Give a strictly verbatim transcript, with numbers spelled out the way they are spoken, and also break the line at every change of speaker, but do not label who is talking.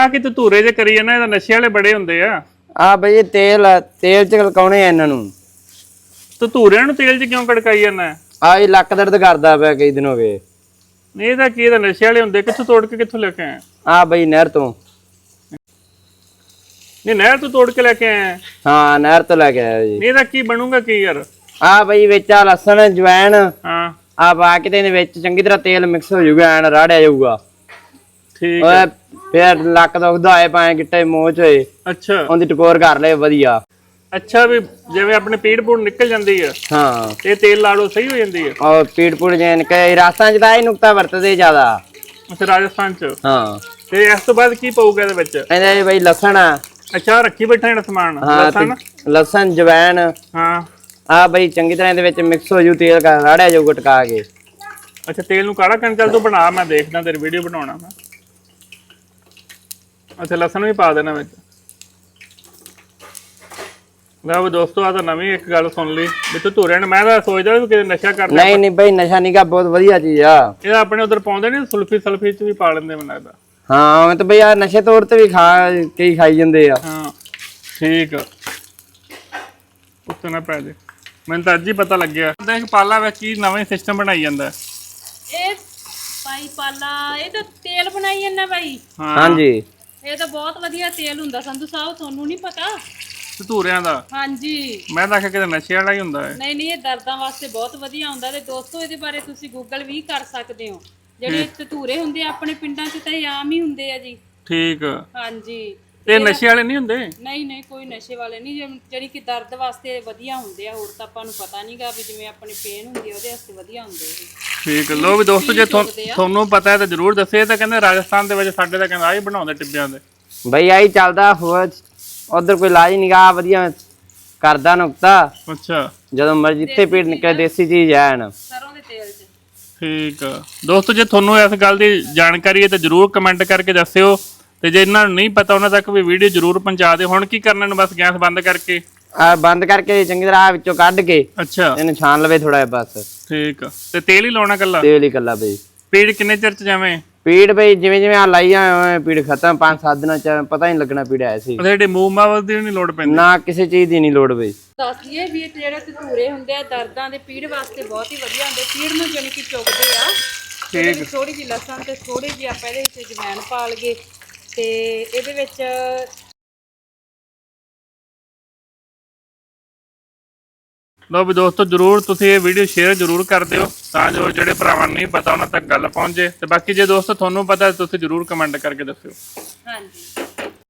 ਆ ਕਿ ਤੂੰ ਧੂਰੇ ਜੇ ਕਰੀ ਜਾਂਦਾ, ਇਹਦਾ ਨਸ਼ੇ ਵਾਲੇ ਬੜੇ ਹੁੰਦੇ ਆ।
ਆ ਬਈ ਇਹ ਤੇਲ ਤੇਲ ਚ ਕਲਕਾਉਣੇ ਆ ਇਹਨਾਂ ਨੂੰ।
ਤੂੰ ਧੂਰਿਆਂ ਨੂੰ ਤੇਲ ਚ ਕਿਉਂ ਕੜਕਾਈ ਜਾਂਦਾ?
ਆ ਇਹ ਲੱਕ ਦਰਦ ਕਰਦਾ ਪਿਆ ਕਈ ਦਿਨ ਹੋ ਗਏ।
ਨਹੀਂ ਇਹਦਾ ਕੀ, ਇਹਦਾ ਨਸ਼ੇ ਵਾਲੇ ਹੁੰਦੇ। ਕਿੱਥੋਂ ਤੋੜ ਕੇ ਕਿੱਥੋਂ ਲੈ ਕੇ ਆਇਆ?
ਆ ਬਈ ਨਹਿਰ ਤੋਂ।
ਨਹੀਂ ਨਹਿਰ ਤੋਂ ਤੋੜ ਕੇ ਲੈ ਕੇ ਆਇਆ?
ਹਾਂ ਨਹਿਰ ਤੋਂ ਲੈ ਕੇ ਆਇਆ ਜੀ।
ਨਹੀਂ ਇਹਦਾ ਕੀ ਬਣੂਗਾ ਕੀ ਯਾਰ?
ਆ ਬਈ ਵਿੱਚ ਆ ਲਸਣ ਜਵੈਣ
ਹਾਂ
ਆ ਪਾ ਕੇ ਤੇ ਇਹਦੇ ਵਿੱਚ ਚੰਗੀ ਤਰ੍ਹਾਂ ਤੇਲ ਮਿਕਸ ਹੋ ਜਾਊਗਾ, ਐਨ ਰਾੜਿਆ ਜਾਊਗਾ।
ਠੀਕ
ਓਏ ਫੇਰ ਲੱਕ ਦੁਖਦਾ ਹੋਏ ਭਾਵੇਂ ਗਿੱਟੇ ਮੋਚ ਹੋਏ,
ਅੱਛਾ
ਉਹਦੀ ਟਕੋਰ ਕਰ ਲੈ ਵਧੀਆ।
ਅੱਛਾ ਵੀ ਜਿਵੇਂ ਆਪਣੇ ਪੀੜ ਪੂੜ ਨਿਕਲ ਜਾਂਦੀ ਆ
ਹਾਂ
ਤੇ ਤੇਲ ਲਾ ਲਓ ਸਹੀ ਹੋ ਜਾਂਦੀ ਆ।
ਔਰ ਪੀੜ ਪੂੜ ਜੈਨ ਕਈ ਰਾਸਾਂ ਚ ਤਾਂ ਇਹ ਨੁਕਤਾ ਵਰਤਦੇ ਜ਼ਿਆਦਾ।
ਅੱਛਾ ਰਾਜਸਥਾਨ ਚ।
ਹਾਂ
ਤੇ ਇਸ ਤੋਂ ਬਾਅਦ ਕੀ ਪਊਗਾ ਇਹਦੇ ਵਿੱਚ?
ਇਹਦੇ ਬਈ ਲਸਣ ਆ।
ਅੱਛਾ ਰੱਖੀ ਬੈਠਾ ਜਿਹੜਾ ਸਮਾਨ ਲਸਣ।
ਲਸਣ ਜਵੈਣ
ਹਾਂ
ਆ ਬਈ ਚੰਗੀ ਤਰ੍ਹਾਂ ਇਹਦੇ ਵਿੱਚ ਮਿਕਸ ਹੋ ਜੂ, ਤੇਲ ਕਰ ਰਾੜਿਆ ਜਾਊਗਾ ਟਕਾ ਕੇ।
ਅੱਛਾ ਤੇਲ ਨੂੰ ਕਾੜਾ ਕਰਨ ਚੱਲ ਤੂੰ ਬਣਾ, ਮੈਂ ਦੇਖਦਾ ਤੇਰੀ ਵੀਡੀਓ ਬਣਾਉਣਾ ਮੈਂ। ਅੱਛਾ ਲਸਣ ਵੀ ਪਾ ਦੇਣਾ ਵਿੱਚ। ਲਓ ਦੋਸਤੋ ਆ ਤਾਂ ਨਵੀਂ ਇੱਕ ਗੱਲ ਸੁਣ ਲਈ ਵੀ ਤੂੰ ਧੂਰਿਆਂ ਨੂੰ, ਮੈਂ ਤਾਂ ਸੋਚਦਾ ਵੀ ਕਿਤੇ ਨਸ਼ਾ ਕਰਦੇ।
ਨਹੀਂ ਨਹੀਂ ਬਈ ਨਸ਼ਾ ਨੀਗਾ, ਬਹੁਤ ਵਧੀਆ ਚੀਜ਼ ਆ।
ਇਹ ਆਪਣੇ ਉਧਰ ਪਾਉਂਦੇ ਨੇ ਸੁਲਫੀ ਸਲਫੀ ਚ ਵੀ ਪਾ ਲੈਂਦੇ ਮੈਨੂੰ ਲੱਗਦਾ।
ਹਾਂ ਉਹ ਤਾਂ ਬਈ ਆ ਨਸ਼ੇ ਤੌਰ ਤੇ ਵੀ ਖਾ ਕਈ ਖਾਈ ਜਾਂਦੇ ਆ।
ਹਾਂ ਠੀਕ ਆ, ਉੱਤੇ ਨਾ ਪੈ ਜੇ। ਮੈਨੂੰ ਤਾਂ ਅੱਜ ਹੀ ਪਤਾ ਲੱਗਿਆ। ਦੇਖ ਪਾਲਾ ਵਿੱਚ ਕੀ ਨਵਾਂ ਸਿਸਟਮ ਬਣਾਈ ਜਾਂਦਾ
ਇਹ ਭਾਈ ਪਾਲਾ। ਇਹ ਤਾਂ ਤੇਲ ਬਣਾਈ ਜਾਂਦਾ ਭਾਈ।
ਹਾਂਜੀ
ਇਹ ਤਾਂ ਬਹੁਤ ਵਧੀਆ ਤੇਲ ਹੁੰਦਾ ਸੰਧੂ ਸਾਹਿਬ, ਤੁਹਾਨੂੰ ਨਹੀਂ ਪਤਾ?
ਧੂਰਿਆਂ ਦਾ?
ਹਾਂਜੀ
ਮੈਂ ਤਾਂ ਆਖਿਆ ਕਿਤੇ ਨਸ਼ੇ ਵਾਲਾ ਹੀ ਹੁੰਦਾ ਹੈ।
ਨਹੀਂ ਨਹੀਂ ਇਹ ਦਰਦਾਂ ਵਾਸਤੇ ਬਹੁਤ ਵਧੀਆ ਹੁੰਦਾ। ਤੇ ਦੋਸਤੋ ਇਹਦੇ ਬਾਰੇ ਤੁਸੀਂ ਗੂਗਲ ਵੀ ਕਰ ਸਕਦੇ ਹੋ। ਜਿਹੜੇ ਧਤੂਰੇ ਹੁੰਦੇ ਆ ਆਪਣੇ ਪਿੰਡਾਂ 'ਚ ਤਾਂ ਇਹ ਆਮ ਹੀ ਹੁੰਦੇ ਆ ਜੀ।
ਠੀਕ ਆ।
ਹਾਂਜੀ
ਇਹ ਨਸ਼ੇ ਵਾਲੇ ਨਹੀਂ ਹੁੰਦੇ?
ਨਹੀਂ ਨਹੀਂ ਕੋਈ ਨਸ਼ੇ ਵਾਲੇ ਨਹੀਂ, ਜਿਹੜੀ ਕਿ ਦਰਦ ਵਾਸਤੇ ਵਧੀਆ ਹੁੰਦੇ ਆ। ਹੋਰ ਤਾਂ ਆਪਾਂ ਨੂੰ ਪਤਾ ਨਹੀਂਗਾ ਵੀ ਜਿਵੇਂ ਆਪਣੀ ਪੇਨ ਹੁੰਦੀ ਆ ਉਹਦੇ ਵਾਸਤੇ ਵਧੀਆ ਹੁੰਦੇ ਇਹ।
ਠੀਕ ਲੋ ਵੀ ਦੋਸਤੋ ਜੇ ਤੁਹਾਨੂੰ ਪਤਾ ਹੈ ਤਾਂ ਜਰੂਰ ਦੱਸਿਓ। ਇਹ ਤਾਂ ਕਹਿੰਦੇ ਰਾਜਸਥਾਨ ਦੇ ਵਿੱਚ ਸਾਡੇ ਤਾਂ ਕਹਿੰਦਾ ਆਹੀ ਬਣਾਉਂਦੇ ਟਿੱਬਿਆਂ ਦੇ।
ਬਈ ਆਹੀ ਚੱਲਦਾ, ਹੋਰ ਉਧਰ ਕੋਈ ਇਲਾਜ ਨੀਗਾ ਵਧੀਆ ਕਰਦਾ ਨੁਕਤਾ।
ਅੱਛਾ
ਜਦੋਂ ਮਰਜ਼ੀ ਜਿੱਥੇ ਪੀੜ ਨਿਕਲੇ ਦੇਸੀ ਚੀਜ਼ ਐਨ
ਸਰੋਂ ਦੇ ਤੇਲ 'ਚ।
ਠੀਕ ਆ ਦੋਸਤੋ, ਜੇ ਤੁਹਾਨੂੰ ਇਸ ਗੱਲ ਦੀ ਜਾਣਕਾਰੀ ਹੈ ਤਾਂ ਜਰੂਰ ਕਮੈਂਟ ਕਰਕੇ ਦੱਸਿਓ। ਤੇ ਜੇ ਇਹਨਾਂ ਨੂੰ ਨਹੀਂ ਪਤਾ ਉਹਨਾਂ ਤੱਕ ਵੀ ਵੀਡੀਓ ਜਰੂਰ ਪਹੁੰਚਾ ਦਿਓ। ਹੁਣ ਕੀ ਕਰਨਾ ਨੂੰ ਬਸ ਗੈਸ ਬੰਦ ਕਰਕੇ
ਆ ਬੰਦ ਕਰਕੇ ਚੰਗੀ ਤਰ੍ਹਾਂ ਵਿੱਚੋਂ ਕੱਢ ਕੇ
ਅੱਛਾ
ਇਹਨੂੰ ਛਾਣ ਲਵੇ ਥੋੜਾ ਜਿਹਾ ਬਸ।
ਠੀਕ ਆ ਤੇ ਤੇਲ ਹੀ ਲਾਉਣਾ ਕੱਲਾ?
ਤੇਲ ਹੀ ਕੱਲਾ ਬਈ।
ਪੀੜ ਕਿੰਨੇ ਚਿਰ ਚ ਜਾਵੇਂ?
ਪੀੜ ਬਈ ਜਿਵੇਂ ਜਿਵੇਂ ਆ ਲਾਈਆਂ ਹੋਏ ਪੀੜ ਖਤਮ, ਪੰਜ ਸੱਤ ਦਿਨਾਂ ਚ ਪਤਾ ਹੀ ਲੱਗਣਾ ਪੀੜ ਆਇਆ ਸੀ।
ਜਿਹੜੇ ਮੂਵ ਮਾਵਲ ਦੀ ਨਹੀਂ ਲੋੜ ਪੈਂਦੀ?
ਨਾ ਕਿਸੇ ਚੀਜ਼ ਦੀ ਨਹੀਂ ਲੋੜ ਬਈ।
ਦੱਸ ਦਈਏ ਵੀ ਇਹ ਜਿਹੜੇ ਧਤੂਰੇ ਹੁੰਦੇ ਆ ਦਰਦਾਂ ਦੇ ਪੀੜ ਵਾਸਤੇ ਬਹੁਤ ਹੀ ਵਧੀਆ ਹੁੰਦੇ। ਪੀੜ ਨੂੰ ਜਾਣੀ ਕਿ ਚੁੱਕਦੇ ਆ। ਇਹਦੇ ਵਿੱਚ ਥੋੜੀ ਜਿਹੀ ਲਸਣ ਤੇ ਥੋੜੀ ਜਿਹੀ ਆਪਾਂ ਇਹਦੇ ਵਿੱਚ ਜਵੈਣ ਪਾ ਲਈਏ ਤੇ ਇਹਦੇ ਵਿੱਚ
ਲੋ ਵੀ ਦੋਸਤੋ ਜਰੂਰ ਤੁਸੀਂ ਇਹ ਵੀਡੀਓ ਸ਼ੇਅਰ ਜਰੂਰ ਕਰ ਦਿਓ ਤਾਂ ਜੋ ਜਿਹੜੇ ਭਰਾਵਾਂ ਨੂੰ ਨਹੀਂ ਪਤਾ ਉਹਨਾਂ ਤੱਕ ਗੱਲ ਪਹੁੰਚੇ। ਤੇ ਬਾਕੀ ਜੇ ਦੋਸਤੋ ਤੁਹਾਨੂੰ ਪਤਾ ਤੁਸੀਂ ਜਰੂਰ ਕਮੈਂਟ ਕਰਕੇ ਦੱਸਿਓ।
ਹਾਂਜੀ।